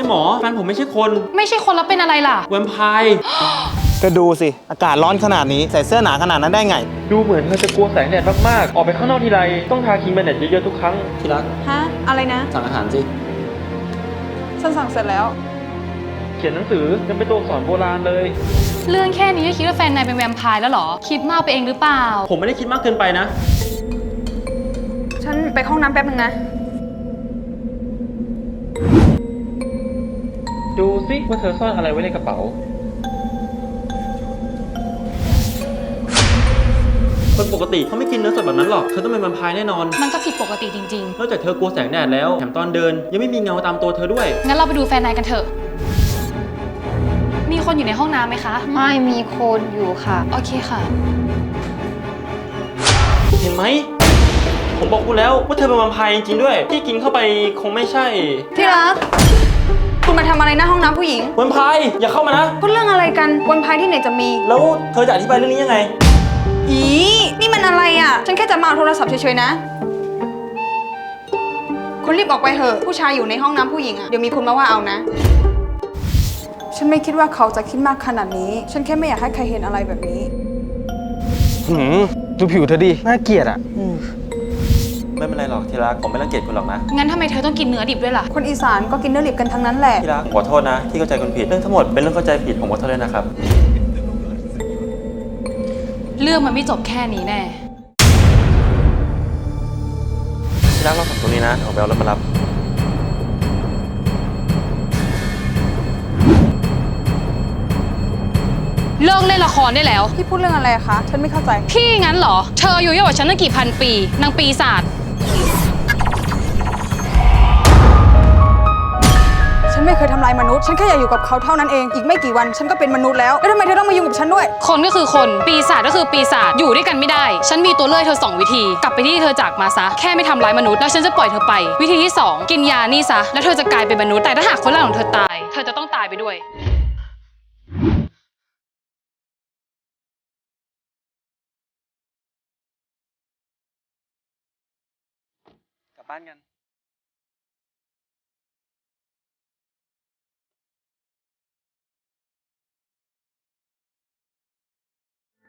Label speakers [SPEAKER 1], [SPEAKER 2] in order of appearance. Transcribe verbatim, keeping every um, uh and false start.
[SPEAKER 1] หมอแฟนผมไม่ใช่คน
[SPEAKER 2] ไม่ใช่คนแล้วเป็นอะไรล่ะ
[SPEAKER 1] แวมไพร์
[SPEAKER 3] ก็ดูสิอากาศร้อนขนาดนี้ใส่เสื้อหนาขนาดนั้นได้ไง
[SPEAKER 1] ดูเหมือนเธอจะกลัวแสงแดดมากๆออกไปข้างนอกทีไรต้องทาครีมกันแดดเยอะๆทุกครั้งที่รัก
[SPEAKER 4] ฮะอะไรนะ
[SPEAKER 1] สั่งอาหารสิ
[SPEAKER 4] ฉันสั่งเสร็จแล้ว
[SPEAKER 1] เขียนหนังสือยังเป็นตัวอักษรโบราณเลย
[SPEAKER 2] เรื่องแค่นี้ก็คิดว่าแฟนนายเป็นแวมไพร์แล้วเหรอคิดมากไปเองหรือเปล่า
[SPEAKER 1] ผมไม่ได้คิดมากเกินไปนะ
[SPEAKER 4] ฉันไปห้องน้ำแป๊บนึงนะ
[SPEAKER 1] ดูสิว่าเธอซ่อนอะไรไว้ในกระเป๋าคนปกติเขาไม่กินเนื้อสดแบบนั้นหรอกเธอต้องเป็นแวมไพร์แน่นอน
[SPEAKER 2] มันก็ผิดปกติจริง
[SPEAKER 1] ๆนอกจากเธอกลัวแสงแดดแล้วแถมตอนเดินยังไม่มีเงาตามตัวเธอด้วย
[SPEAKER 2] งั้นเราไปดูแฟนนายกันเถอะมีคนอยู่ในห้องน้ำไหมคะ
[SPEAKER 4] ไม่มีคนอยู่ค่ะ
[SPEAKER 2] โอเคค่ะ
[SPEAKER 1] เห็นไหมผมบอกคุณแล้วว่าเธอเป็นแวมไพร์จริงๆด้วยที่กินเข้าไปคงไม่ใช่
[SPEAKER 4] ที่รักคุณมาทำอะไรหน้าห้องน้ำผู้หญิง
[SPEAKER 1] แวมไพร์อย่าเข้ามานะ
[SPEAKER 4] พูดเรื่องอะไรกันแวมไพร์ที่ไหนจะมี
[SPEAKER 1] แล้วเธอจะอธิบายเรื่องนี้ยังไง
[SPEAKER 4] อีนี่มันอะไรอ่ะฉันแค่จะมาเอาโทรศัพท์เฉยๆนะคุณรีบออกไปเถอะผู้ชายอยู่ในห้องน้ำผู้หญิงอ่ะเดี๋ยวมีคนมาว่าเอานะฉันไม่คิดว่าเขาจะคิดมากขนาดนี้ฉันแค่ไม่อยากให้ใครเห็นอะไรแบบนี้
[SPEAKER 3] หืมดูผิวเธอดิน่าเกลียดอ่ะ
[SPEAKER 1] ไม่เป็นไรหรอกที่รักผมไม่รังเกียจคุณหรอกนะ
[SPEAKER 2] งั้นทำไมเธอต้องกินเนื้อดิบด้วยล่ะ
[SPEAKER 4] คนอีสานก็กินเนื้อดิบกันทั้งนั้นแหละ
[SPEAKER 1] ที่รักขอโทษนะที่เข้าใจคุณผิดเรื่องทั้งหมดเป็นเรื่องเข้าใจผิดผมขอโทษด้วยนะครับ
[SPEAKER 2] เรื่องมันไม่จบแค่นี้แน่
[SPEAKER 1] ที่รักเราสองตรงนี้นะผมไปเอารถมารับ
[SPEAKER 2] เลิกเล่นละครได้แล้ว
[SPEAKER 4] พี่พูดเรื่องอะไรคะฉันไม่เข้าใจ
[SPEAKER 2] พี่งั้นเหรอเธออายุเยอะกว่าฉันตั้งกี่พันปีนางปีศาจ
[SPEAKER 4] ฉันไม่เคยทำลายมนุษย์ฉันแค่อยากอยู่กับเขาเท่านั้นเองอีกไม่กี่วันฉันก็เป็นมนุษย์แล้วแล้วทำไมเธอต้องมายุ่งกับฉันด้วย
[SPEAKER 2] คนก็คือคนปีศาจก็คือปีศาจอยู่ด้วยกันไม่ได้ฉันมีตัวเลือกเธอสองวิธีกลับไปที่เธอจากมาซะแค่ไม่ทำร้ายมนุษย์แล้วฉันจะปล่อยเธอไปวิธีที่สองกินยานี่ซะแล้วเธอจะกลายเป็นมนุษย์แต่ถ้าหากคนรักของเธอตายเธอจะต้องตายไปด้วย
[SPEAKER 1] กลับบ้านกัน